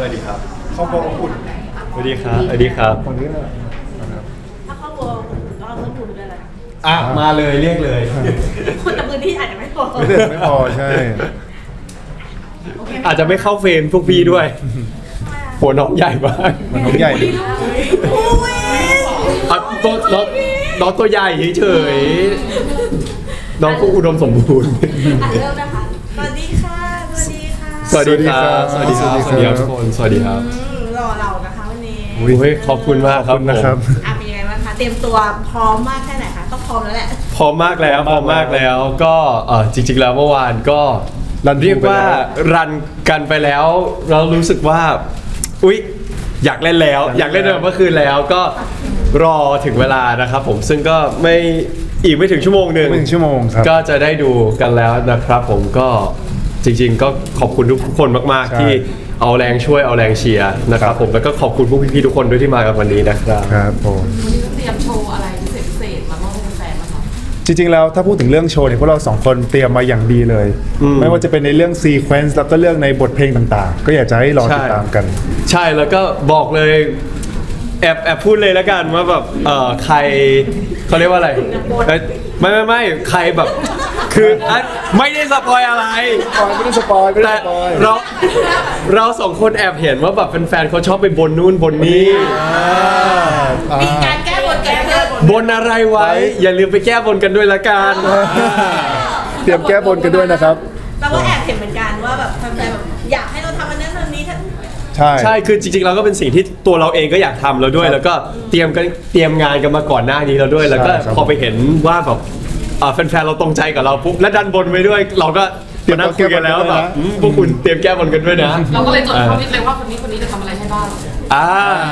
วัสดีครับครอบครัวอบอุ่นสวัสดีครับสวัสดีครับคนนี้เลยถ้าครอบครัวก็เอาเรื่องบุญด้วยแหละมาเลยเรียกเลยคนแต่พื้นที่อาจจะไม่พอไม่เด็ดไม่พอใช่โอเคอาจจะไม่เข้าเฟรมพวกพี่ด้วยหัวน้องใหญ่มากมันน้องใหญ่ดิอุ้ยตัวน้องตัวใหญ่เฉยๆน้องก็อุดมสมบูรณ์เริ่มนะคะสวัสดีค่ะสวัสดีค่ะสวัสดีครับสวัสดีครับสวัสดีครับทุกคนสวัสดีครับรอเรานะคะวันนี้โอ้ยขอบคุณมากครับขอบคุณนะครับเป็นยังไงบ้างคะเตรียมตัวพร้อมมากแค่ไหนคะต้องพร้อมแล้วแหละพร้อมมากแล้วก็จริงๆแล้วเมื่อวานก็รันเรียกว่ารันกันไปแล้วเรารู้สึกว่าอุ๊ยอยากเล่นแล้วอยากเล่นเมื่อคืนแล้วก็รอถึงเวลานะครับผมซึ่งก็ไม่ถึงชั่วโมงหนึ่งไม่ถึงชั่วโมงครับก็จะได้ดูกันแล้วนะครับผมก็จริงๆก็ขอบคุณทุกคนมากใช่ๆที่เอาแรงช่วยเอาแรงเชียร์นะครับผมแล้วก็ขอบคุณพวกพี่ๆทุกคนด้วยที่มากันวันนี้นะครับครับผมวันนี้เตรียมโชว์อะไรพิเศษมามอบให้แฟนๆบ้างคะจริงๆแล้วถ้าพูดถึงเรื่องโชว์เนี่ยพวกเราสองคนเตรียมมาอย่างดีเลย ไม่ว่าจะเป็นในเรื่องซีเควนซ์แล้วก็เรื่องในบทเพลงต่างๆ ก็อยากจะให้รอติดตามกันใช่แล้วก็บอกเลยแอบพูดเลยแล้วกันว่าแบบใครเขาเรียกว่าอะไรเอ้ยไม่ใครแบบคือไม่ได้สปอยอะไรไม่ได้สปอยไม่ได้แต่สปอยเราสองคนแอบเห็นว่าแบบแฟนๆเขาชอบไปบนนู่นบนนี้มีการแก้บนกันเพื่อนบนอะไรไว้ อย่าลืมไปแก้บนกันด้วยละกันเตรียมแก้บนกันด้วยนะครับเราก็แอบเห็นเหมือนกันว่าแบบแฟนๆแบบอยากให้เราทำอันนั้นอันนี้ใช่ใช่คือจริงๆเราก็เป็นสิ่งที่ตัวเราเองก็อยากทำแล้วด้วย แล้วก็เตรียมงานกันมาก่อนหน้านี้แล้วด้วย แล้วก็ใช่ครับพอไปเห็นว่าแบบแฟนๆเราตรงใจกับเราปุ๊บและดันบนไว้ด้วย เราก็มานั่งคุยกันแล้วแบบพวกคุณเตรียมแก้บนกันด้วยนะเราก็เลยจดข้อนิดเลยว่าคนนี้จะทำอะไรให้บ้างอ่า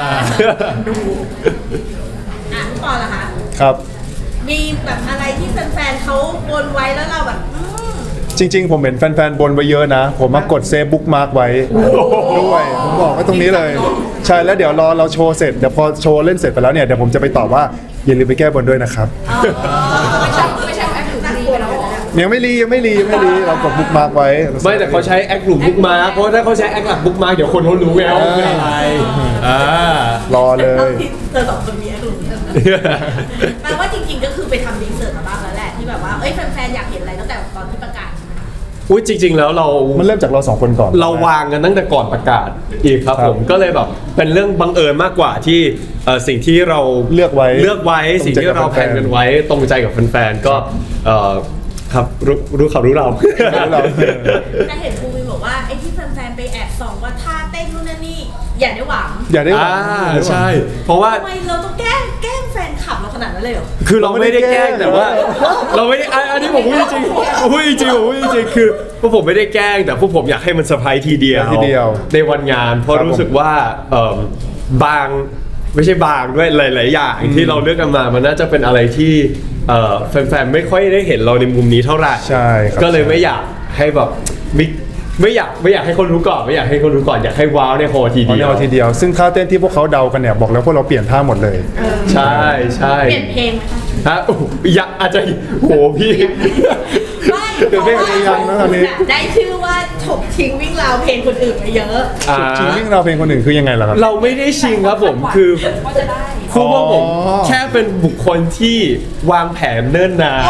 อ่ะพี่ปอนล่ะคะครับมีแบบอะไรที่แฟนๆเขาบนไว้แล้วเราแบบจริงๆ ผมเห็นแฟนๆ บนไว้เยอะนะ ผมมากดเซฟบุ๊กมาร์กไว้ด้วยผมบอกไว้ตรงนี้เลย ใช่แล้วเดี๋ยวรอเราโชว์เสร็จเดี๋ยวพอโชว์เล่นเสร็จไปแล้วเนี่ยเดี๋ยวผมจะไปตอบว่าอย่าลืมไปแก้บนด้วยนะครับไม่ใช่แอคถึงดีไปแล้วยังไม่รีเรากดบุ๊กมาร์กไว้ไม่แต่เขาใช้แอคหลุมบุ๊กมาร์คเพราะถ้าเขาใช้แอคหลักบุ๊กมาร์คเดี๋ยวคนเขารู้ไงว่าเป็นอะไรรอเลเอายที่เจอสองคนนี้ดูแปลว่าจริงๆก็คือไปทำรีเสิร์ชมาบ้างแล้วแหละที่แบบว่าเอ้ยแฟนๆอยากเห็นอะไรตั้งแต่ตอนที่ประกาศใช่ไหมคะอุ้ยจริง ๆ แล้วเรามันเริ่มจากเราสองคนก่อนเราวางกันตั้งแต่ก่อนประกาศอีกครับครับผมก็เลยแบบเป็นเรื่องบังเอิญมากกว่าที่สิ่งที่เราเลือกไว้สิ่งที่เราตรงใจกับแผนกันไว้ตรงใจกับแฟนๆก็ครับรู้เขารู้เราแต่เห็นครูวินบอกว่าไอ้ที่แฟนๆไปแอบส่องว่าท่าเต้นนู่นนั่นนี่อย่าได้หวังอย่าได้หวังใช่ เพราะว่าทำไมเราต้องแกล้งแฟนคลับเราขนาดนั้นเลยเหรอคือเราไม่ได้แกล้งแต่ว่า เราไม่ได้อันนี้ผมพูดจริงผมพูดจริงคือพวกผมไม่ได้แกล้งแต่พวกผมอยากให้มันเซอร์ไพรส์ทีเดียวในวันงานเพราะรู้สึกว่าบางไม่ใช่บางด้วยหลายๆอย่างที่เราเลือกกันมามันน่าจะเป็นอะไรที่แฟนๆไม่ค่อยได้เห็นเราในมุมนี้เท่าไหร่ใช่ครับก็เลยไม่อยากให้แบบไม่อยากให้คนรู้ก่อนไม่อยากให้คนรู้ก่อนอยากให้ว้าวในโฮทีเอาเดีแนยววทีเดียว ซึ่งท่าเต้นที่พวกเขาเดากันเนี่ยบอกแล้วพวกเราเปลี่ยนท่าหมดเลยใช่ใช่เปลี่ยนเพลงไหมคะฮะโอ้โหอยากอาจจะโหพี่ไม่เปลี่ยนเพลงเพลงยังนะตอนนี้ได้ชื่อว่าฉกชิงวิ่งราวเพลงคนอื่นมาเยอะจริงวิ่งเราเพลงคนอื่นคือยังไงล่ะครับเราไม่ได้ชิงครับผมคือว่าจะได้คือว่าผมอ๋อแค่เป็นบุคคลที่วางแผนเนิ่นนาน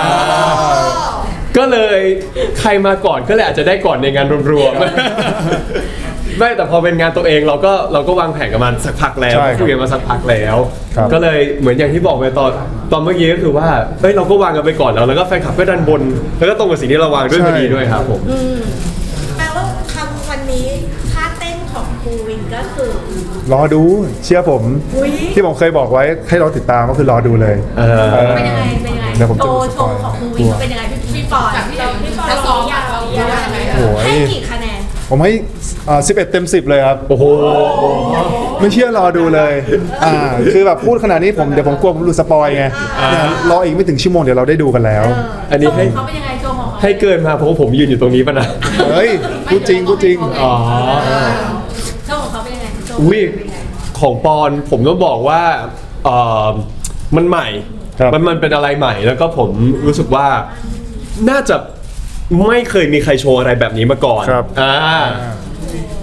ก็เลยใครมาก่อนก็เลยอาจจะได้ก่อนในงานรวมๆไม่แต่พอเป็นงานตัวเองเราก็วางแผนกันมาสักพักแล้วใช่ครับคุยกันมาสักพักแล้วครับก็เลยเหมือนอย่างที่บอกไปตอนเมื่อกี้ก็คือว่าเฮ้ยเราก็วางกันไปก่อนแล้วก็แฟนคลับก็ดันบน แล้วก็ตรงกับสิ่งที่เราวางด้วยพอดีด้วยครับผมแปลว่าคำวันนี้ท่าเต้นของครูวินก็คือรอดูเชื่อผมอุ๊ยที่ผมเคยบอกไว้ให้เราติดตามก็คือรอดูเลยเป็นยังไงเดี๋ยวผมโชจะว์โชว์ของครูวินเป็นยังไงพี่ปอนจากที่เราพี่ปอนถ้าซ้อมอยากเราอยากไหมโอ้ยให้กี่คะแนนผมให้11 เต็ม 10 เลยครับโอ้โหไม่เชื่อรอดูเลยคือแบบพูดขนาดนี้เดี๋ยวผมกลัวผมหลุดสปอยไงเนี่ยรออีกไม่ถึงชั่วโมงเดี๋ยวเราได้ดูกันแล้วอันนี้โชว์ให้ของเขาเป็นยังไงโชว์ของเขาให้เกินมาเพราะว่าผมยืนอยู่ตรงนี้ป่ะนะเฮ้ยพูดจริงอ๋อโชว์ของเขาเป็นยังไงโชว์อุ้ยเป็นยังไงของปอนผมต้องบอกว่ามันใหม่ครับมันเป็นอะไรใหม่แล้วก็ผมรู้สึกว่าน่าจะไม่เคยมีใครโชว์อะไรแบบนี้มาก่อนครับโอเค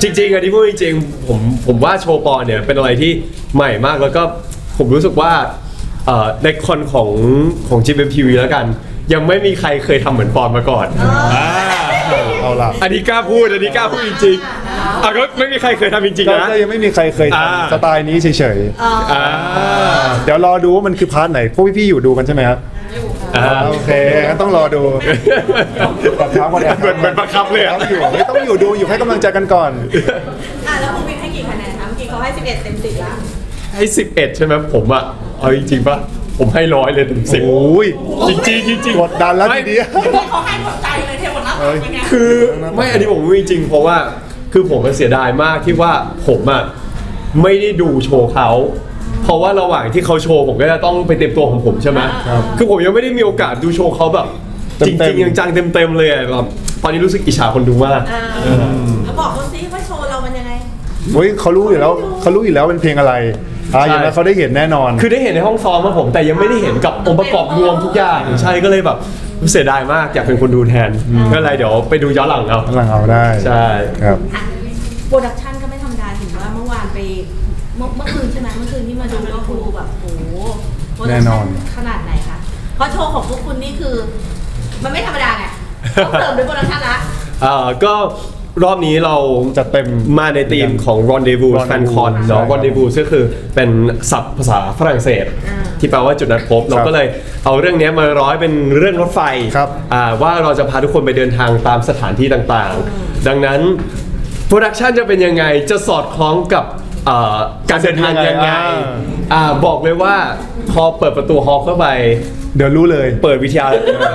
จริงๆอันนี้พูดจริงๆผมว่าโชว์ปอนเนี่ยเป็นอะไรที่ใหม่มากแล้วก็ผมรู้สึกว่าในคอนของ GMMTV แล้วกัน ยังไม่มีใครเคยทำเหมือนปอนมาก่อนเอาล่ะอันนี้กล้าพูดจริงๆก็ไม่มีใครเคยทำจริงๆนะก็ยังไม่มีใครเคยอ่าทำสไตล์นี้เฉยอ่าๆเดี๋ยวรอดูว่ามันคือพาร์ทไหนพวกพี่ๆอยู่ดูกันใช่ไหมครับ โอเคงั้นต้องรอดูบังคับก่อนเหมือนบังคับเลยอะต้องอยู่ดูอยู่ให้กำลังใจกันก่อนแล้วภูวินให้กี่คะแนนคะเมื่อกี้เขาให้11 เต็ม 10แล้วให้11ใช่ไหมผมอะเอาจริงๆป่ะผมให้100เลยเต็ม10 โอ้ยจริงๆกดดันแล้วทีเดียวเขาให้หมดใจเลยเทหมดหน้าตักเป็นไงคือไม่อันนี้ผมไม่จริงเพราะว่าคือผมมันเสียดายมากที่ว่าผมอะไม่ได้ดูโชว์เขาเพราะว่าระหว่างที่เขาโชว์ผมก็จะต้องไปเต็มตัวของผมใช่ไหมครับคือผมยังไม่ได้มีโอกาสดูโชว์เขาแบบจเต็ริมงๆๆจังๆเต็มๆเลยอะแบบตอนนี้รู้สึกอิจฉาคนดูมากแล้วบอกเขาสิว่าโชว์เรามันยังไงเฮ้ยเขารู้อยู่แล้วเป็นเพลงอะไรอย่างนั้นเขาได้เห็นแน่นอนคือได้เห็นในห้องซ้อมมาผมแต่ยังไม่ได้เห็นกับองค์ประกอบรวมทุกอย่างใช่ก็เลยแบบเสียดายมากอยากเป็นคนดูแทนก็เลยเดี๋ยวไปดูย้อนหลังเอากำลังเอาได้ใช่ครับโปรดักชันก็ไม่ธรรมดาถึงว่าเมื่อวานไปเมื่อคืนใช่ไหมเมื่อคืนที่มาดูก็คือแบบโอ้โหโปรดักแน่นชั่อนขนาดไหนคะเพราะโชว์ของพวกคุณนี่คือ มันไม่ธรรมดาไงต้องเติมด้วยโปรดักชันละก็รอบนี้เราจัดเต็มมาในธีมของ Rendezvous Rendezvous Fan Con เนาะใช่ครับ Rendezvous ก็คือเป็นศัพท์ภาษาฝรั่งเศส ที่แปลว่าจุดนัดพบ เราก็เลยเอาเรื่องนี้มาร้อยเป็นเรื่องรถไฟครับว่าเราจะพาทุกคนไปเดินทางตามสถานที่ต่างๆ ดังนั้นโปรดักชันจะเป็นยังไงจะสอดคล้องกับการเดินทางยังไงบอกเลยว่าพอเปิดประตูฮอลล์เข้าไปเดี๋ยวรู้เลยเปิดวิทยา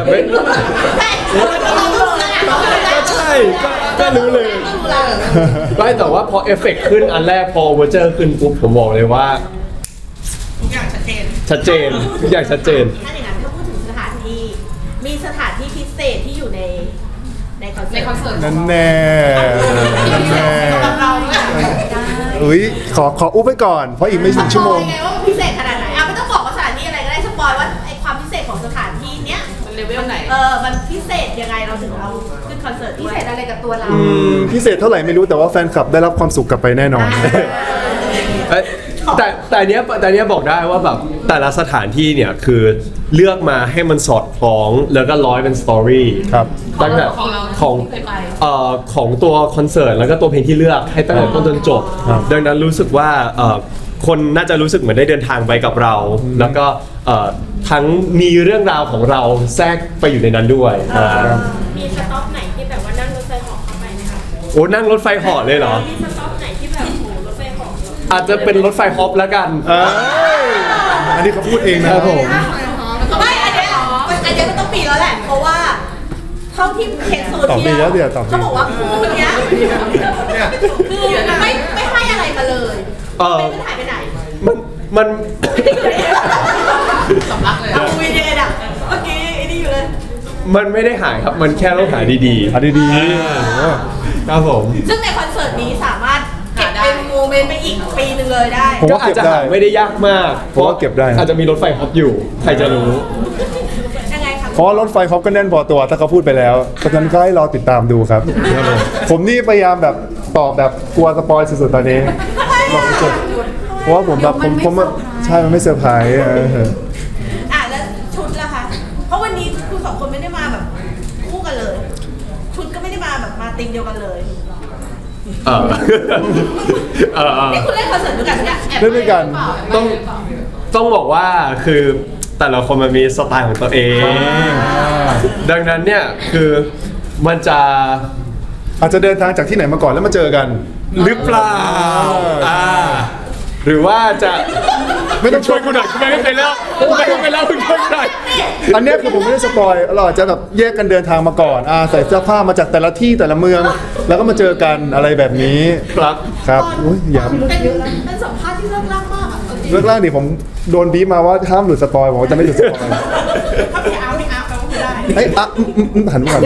ก็ใช่ก็รู้เลย ไม่แต่ว่าพอเอฟเฟกต์ขึ้นอันแรกพอเวอร์เจอร์ขึ้นปุ๊บผมบอกเลยว่าทุกอย่างชัดเจนชัดเจนทุกอย่างชัดเจนถ้าอย่างนั้นถ้าพูดถึงสถานที่มีสถานที่พิเศษที่อยู่ในคอนเสิในร์ตคอนเสิร์ตนั่นแน่นั่นแน่สำหรับเราด้วยอุ้ยขออุ๊บไปก่อน เพราะอีกไม่ถึงชั่วโมงสปอยไงว่ามันพิเศษขนาดไหนไม่ต้องบอกว่าสถานที่อะไรก็ได้สปอยว่าไอความพิเศษของสถานที่เนี้ยมันเลเวลไหนมันพิเศษยังไงเราถึงเอาขึ้นคอนเสิร์ตพิด้วยเศษอะไรกับตัวเราพิเศษเท่าไหร่ไม่รู้แต่ว่าแฟนคลับได้รับความสุขกลับไปแน่นอนแต่เนี้ยบอกได้ว่าแบบแต่ละสถานที่เนี่ยคือเลือกมาให้มันสอดคล้องแล้วก็ร้อยเป็นสตอรี่ครับตั้งแต่ของเราของเคยไปของตัวคอนเสิร์ตแล้วก็ตัวเพลงที่เลือกให้ตั้งแต่ต้นจนจบครับดังนั้นรู้สึกว่าคนน่าจะรู้สึกเหมือนได้เดินทางไปกับเรา แล้วก็ทั้งมีเรื่องราวของเราแทรกไปอยู่ในนั้นด้วยมีสต็อปไหนที่แบบว่านั่งรถไฟเหาะเข้าไปไหมคะโอ้นั่งรถไฟเหาะเลยเหรอมีสต็อปไหนที่แบบโอ้รถไฟเหาะอาจจะเป็นรถไฟฮอปแล้วกันอันนี้เขาพูดเองนะครับผมไม่อันเนี้ยมันต้องปีแล้วแหละ เพราะว่าเท่าที่เห็นโซตอบเชีดียแล้วลเดี๋ยวตอบดีเขาบอกว่าคู่เนี้ยคือไม่ให้อะไรมาเลยเออไม่หายไปไหนมันสำลักเลยเอาวีเดนอ่ะเมื่อกี้ไอ้นี่อยู่เลยมันไม่ได้หายครับ มันแค่ต้องหาดีๆอันดีครับผมซึ่งในคอนเสิร์ตนี้สามารถเก็บเป็นโมเมนต์ไปอีกปีหนึ่งเลยได้ผมก็ว่าอาจเก็บจะได้หาไม่ได้ยากมากผมว่าเก็บได้นะอาจจะมีรถไฟฮอปอยู่ ใครจะรู้ยังไงครับเพราะว่ารถไฟเขาก็แน่นพอตัวถ้าเขาพูดไปแล้วเพราะฉะนั้นก็ให้รอติดตามดูครับ ผมนี่พยายามแบบตอบแบบกลัวสปอยสุดๆตอนนี้บอกสุดๆเพราะว่าผมแบบผมใช่มันไม่เซอร์ไพรส์แล้วชุดล่ะคะ เพราะวันนี้คุณสองคนไม่ได้มาแบบคู่กันเลย ชุดก็ไม่ได้มาแบบมาติงเดียวกันเลยเออเออนี่คุณเล่นคอนเสิร์ตด้วยกันเนี่ยเล่นด้วยกันต้องบอกว่าคือแต่ละคนมันมีสไตล์ของตัวเอง ดังนั้นเนี่ยคือมันจะอาจจะเดินทางจากที่ไหนมาก่อนแล้วมาเจอกันหรือเปล่าหรือว่าจะไม่ต้องช่วยกูหน่อยกูไม่เคยเล่ากูไม่เคยเล่าคุณช่วยกูหน่อยอันเนี้ยคือผมไม่ได้สปอยเราอาจจะแบบแยกกันเดินทางมาก่อนใส่เสื้อผ้ามาจากแต่ละที่แต่ละเมือง แล้วก็มาเจอกันอะไรแบบนี้ครับครับอุ้ยอย่าเป็นสัมภาษณ์ที่เลิกล่างมากอ่ะจริงเรื่องแรกดิผมโดนบีบมาว่าห้ามหลุดสปอยผมจะไม่หลุดสปอยถ้าไม่เอาแปลว่าไม่ได้เอ้ยหันมาก่อน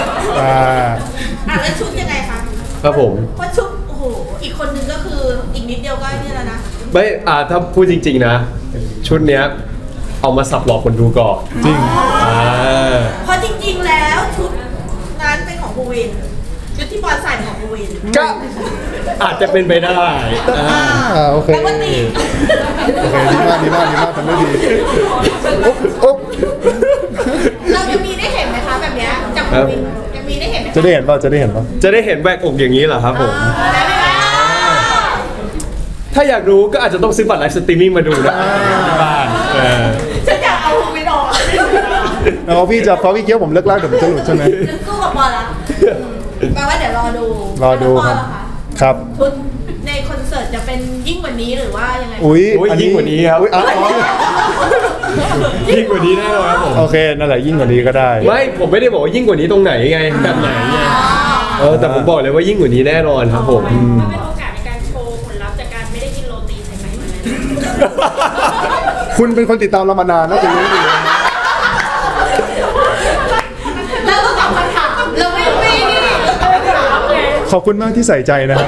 แล้วชุดยังไงคะครับผมเพราะชุดโอ้โหอีกคนนึงก็คืออีกนิดเดียวก็นี่แล้วนะไม่ถ้าพูดจริงๆนะ ชุดเนี้ยเอามาสับหลอกคนดูก่อนจริงเพราะจริงๆแล้วชุดนั้นเป็นของภูวินชุดที่บอลใส่เป็นของภูวินก็อาจจะเป็นไปได้โอเคแล้วก็ตีโอเคดีมากทำได้ดีอุ๊บเราจะมีได้เห็นไหมคะแบบเนี้ยจากภูวินจะมีได้เห็นไหมจะได้เห็นป่ะจะได้เห็นป่ะจะได้เห็นแหวกอกอย่างนี้เหรอครับผมได้ไหมคะถ้าอยากรู้ก็อาจจะต้องซื้อบัตรไลฟ์สตรีมมิ่งมาดูนะที่บ้านฉันอยากเอาภูวินออกแล้วพี่เกี้ยวผมเลิกลากเดี๋ยวมันจะหลุดใช่ไหมจะสู้กับบอลละแปลว่าเดี๋ยวรอดูรอดูครับแล้วบอลล่ะะครับชุดในคอนเสิร์ตจะเป็นยิ่งกว่านี้หรือว่ายังไงอุ้ยยิ่งกว่านี้ครับอุ๊ยอ๋อยิ่งกว่านี้แน่นอนครับผมโอเคนั่นแหละยิ่งกว่านี้ก็ได้ไม่ผมไม่ได้บอกว่ายิ่งกว่านี้ตรงไหนไงแบบไหนไงแต่ผมบอกเลยว่ายิ่งกว่านี้แน่นอนครับผมมันเป็นโอกาสในการโชว์ผลลัพธ์จากการไม่ได้กินโรตีใส่ไข่มาเลยคุณเป็นคนติดตามเรามานานน่าจะรู้ดีแล้วก็ตอบคำถามเราไม่นี่เราตอบคำถามไงขอบคุณมากที่ใส่ใจนะครับ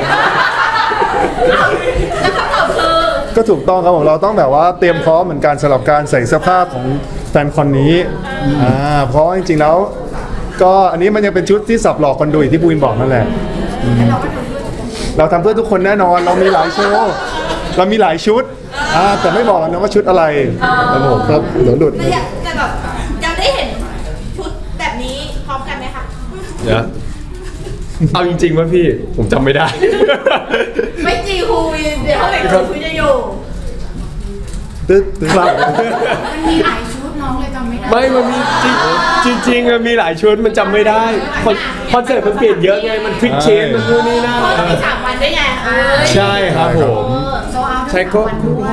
แล้วคำตอบคือก็ถูกต้องครับผมเราต้องแบบว่าเตรียมพร้อมเหมือนกันสำหรับการใส่เสื้อผ้าของแฟนคอนนี้เพราะจริงๆแล้ว ก็อันนี้มันยังเป็นชุดที่สับหลอกคนดูอย่างที่ปูวินบอกนั่นแหละเราทำเพื่อทุกคนแน่นอนเรามีหลายโชว์เรามีหลายชุดแต่ไม่บอกนะว่าชุดอะไรครับผมครับเดี๋ยวหลุดแต่อยากจะแบบจะได้เห็นชุดแบบนี้พร้อมกันไหมคะเดี๋ยวเอาจริงๆว่าพี่ผมจำไม่ได้ไม่จีฮูวินเดี๋ยวเขาเด็กคุยจะอยู่ตึ๊ดครับมันมีหลายชุดน้องเลยจำไม่ได้ไม่มันมีจริงมันมีหลายชุดมันจำไม่ได้คอนเสิร์ตมันเปลี่ยนเยอะไงมันพลิกเชนมันนู่นนี่นั่นเพราะมี3 วันได้ไงใช่ครับผมโซเอาใช่ก็วันด้วย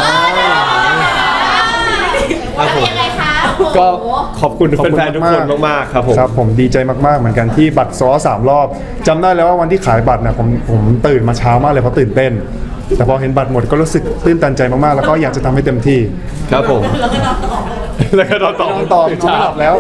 แล้วยังไงคะก็ขอบคุณแฟนๆทุกคนมากๆครับผมครับผมดีใจมากๆเหมือนกันที่บัตรซ้อ3 รอบจำได้แล้วว่าวันที่ขายบัตรนะผมตื่นมาเช้ามากเลยเพราะตื่นเต้น แต่พอเห็นบัตรหมดก็รู้สึกตื้นตันใจมากๆแล้วก็อยากจะทำให้เต็มที่ครับผมแล้วก็นอนต่อแล้วก็นอนต่อนอนต่อนอนไม่หลับแล้ว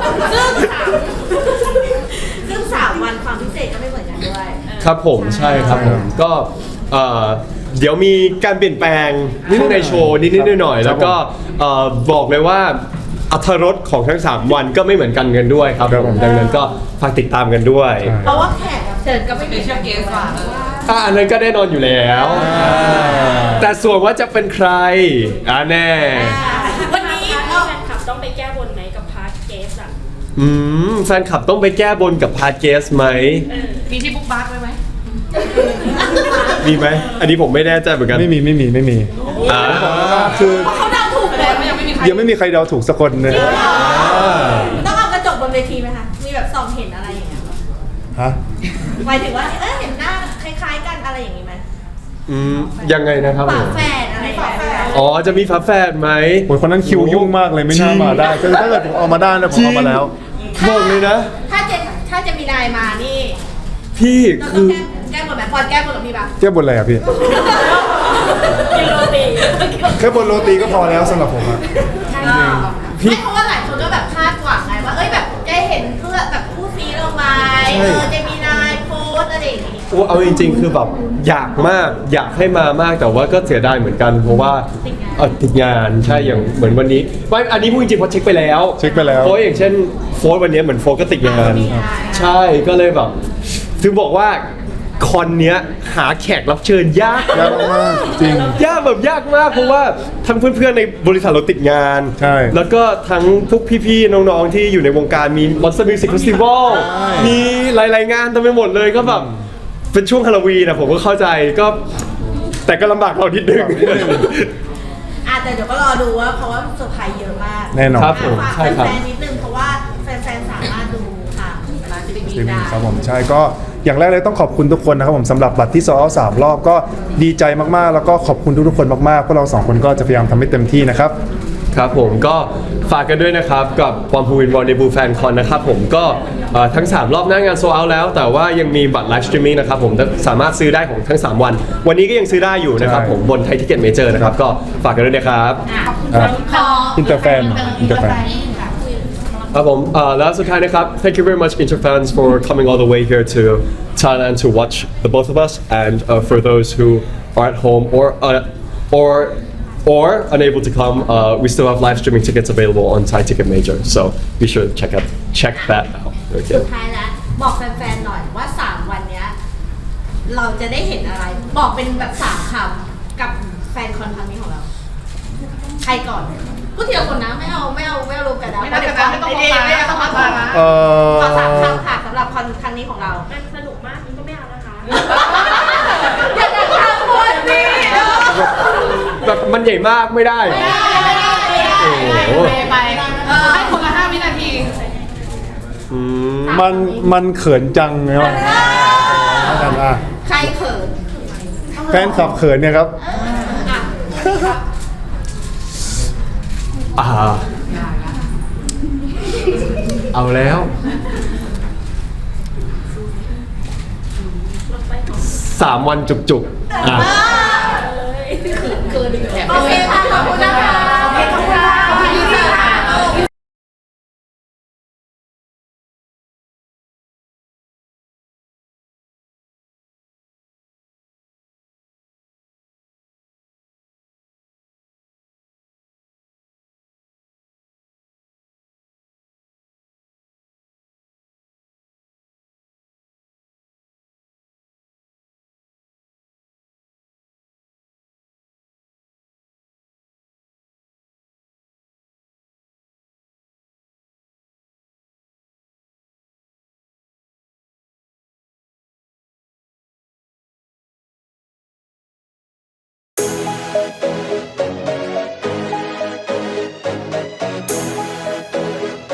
ซึ่ง3 วันความพิเศษก็ไม่เหมือนกันด้วยครับผมใช่ครับผมก็เดี๋ยวมีการเปลี่ยนแปลงข้างในโชว์นิดๆหน่อยๆแล้วก็บอกเลยว่าอรรถรสของทั้ง 3 วันก็ไม่เหมือนกันกันด้วยครับผมดังนั้นก็ฝากติดตามกันด้วยเพราะว่าแขกรับเชิญก็ไม่มีเชื่อเกสว่ะอันนั้นก็แน่นอนอยู่แล้ว แต่ส่วนว่าจะเป็นใครแน่วันนี้แฟเรานคลับต้องไปแก้บนไหมกับพาร์ทเกสอ่ะแฟนคลับต้องไปแก้บนกับพาร์ทเกสไหมมีที่บุ๊กบัคไว้ไหมมีไหมอันนี้ผมไม่แน่ใจเหมือนกันไม่มีอ่าคือเขาเดาถูกเลยยังไม่มีใครยังไม่มีใครเดาถูกสักคนเลยต้องเอากระจกบนเวทีไหมคะ มีแบบส่องเห็นอะไรอย่างเงี้ยฮะหมายถึงว่าเห็นหน้าคล้ายๆกันอะไรอย่างงี้ไหมยังไงนะครับผฝาม แฝดอะไรแบบนี้อ๋อจะมีฝาแฝดไหมโอ้ยคนนั้นคิวยุ่งมากเลยไม่น่ามาได้คือถ้าเกิดผมเอามาได้นะผมเอามาแล้วบอกเลยนะถ้าจะมีนายมานี่พี่เราต้คือ องแก้บนไหมปอนแก้บนกับพี่ปะเทียบบนอะไรอ่ะพี่กินโรตีแค่บนโรตีก็พอแล้วสำหรับผมอะไม่เพราะว่าหลายคนก็แบบคาดหวังไงว่าแบบจะเห็นเพื่อแบบคู่ซีเราไหมจะมีนายโพสอะไรอย่างงี้โอ้เอาจริงๆคือแบบอยากมากอยากให้มามากแต่ว่าก็เสียดายเหมือนกันเพราะว่าติดงานใช่อย่างเหมือนวันนี้ไม่อันนี้พูดจริงๆเพราะเช็คไปแล้วเช็คไปแล้วเพราะอย่างเช่นโฟร์วันนี้เหมือนโฟร์ก็ติดงาน ใช่ก็เลยแบบถึงบอกว่าคอนเนี้ยหาแขกรับเชิญยากยากมากจริงยากแบบยากมากเพราะว่าทั้งเพื่อนๆในบริษัทเราติดงานใช่แล้วก็ทั้งพวกพี่ๆน้องๆที่อยู่ในวงการมี Monster Music Festival มีหลายๆงานเต็มไปหมดเลยก็แบบเป็นช่วงฮาโลวีนนะผมก็เข้าใจก็แต่ก็ลำบากเรานิดนึงแต่เดี๋ยวก็รอดูว่าเพราะว่าเซอร์ไพรส์เยอะมากแน่นอนครับผมฝากใช่ครับแฟนๆนิดนึงเพราะว่าแฟนๆสามารถดูค่ะร้านจะได้มีจริงได้ครับผมใช่ก็อย่างแรกเลยต้องขอบคุณทุกคนนะครับผมสำหรับบัตรที่ซ้อ3 รอบก็ดีใจมากๆ แล้วก็ขอบคุณทุกๆคนมากๆพวกเรา2 คนก็จะพยายามทำให้เต็มที่นะครับครับผมก็ฝากกันด้วยนะครับกับปอมพูวินวอลเนบูแฟนคอนนะครับผมก็ทั้ง 3 รอบหน้างานโซเอาแล้ว แต่ว่ายังมีบัตรไลฟ์สตรีมมิ่งนะครับผมสามารถซื้อได้ของทั้ง 3 วัน วันนี้ก็ยังซื้อได้อยู่นะครับใช่ผมบนไทยทิเก็ตเมเจอร์นะครับก็ฝากกันด้วยนะครับอินเตอร์แฟนครับผมแล้วสุดท้ายนะครับ thank you very much Interfans for coming all the way here to Thailand to watch the both of us and for those who are at home or unable to come we still have live streaming tickets available on Thai Ticket Major so be sure to check that out okay. สุดท้ายแล้วบอกแฟนๆหน่อยว่า3 วันเนี้ยเราจะได้เห็นอะไร บอกเป็นแบบ3 คำกับแฟนคอนครั้งนี้ของเรา ใครก่อนพูดทีละคนนะไม่เอารวมกันนะไม่ต้องกันนะไม่ต้องมองตาไม่ต้องมองตานะขอ3 คำค่ะสำหรับคอนครั้งนี้ของเรามันสนุกมากนี่ก็ไม่เอานะคะอย่าจะทำคนสิแบบมันใหญ่มากไม่ได้ โอ้โหไปให้คนละ5 วินาทีอืมมันเขินจังนะครับอ่ะใครเขินแฟนคลับเขินเนี่ยครับอ่ะเอาแล้ว 3 วันจุกๆ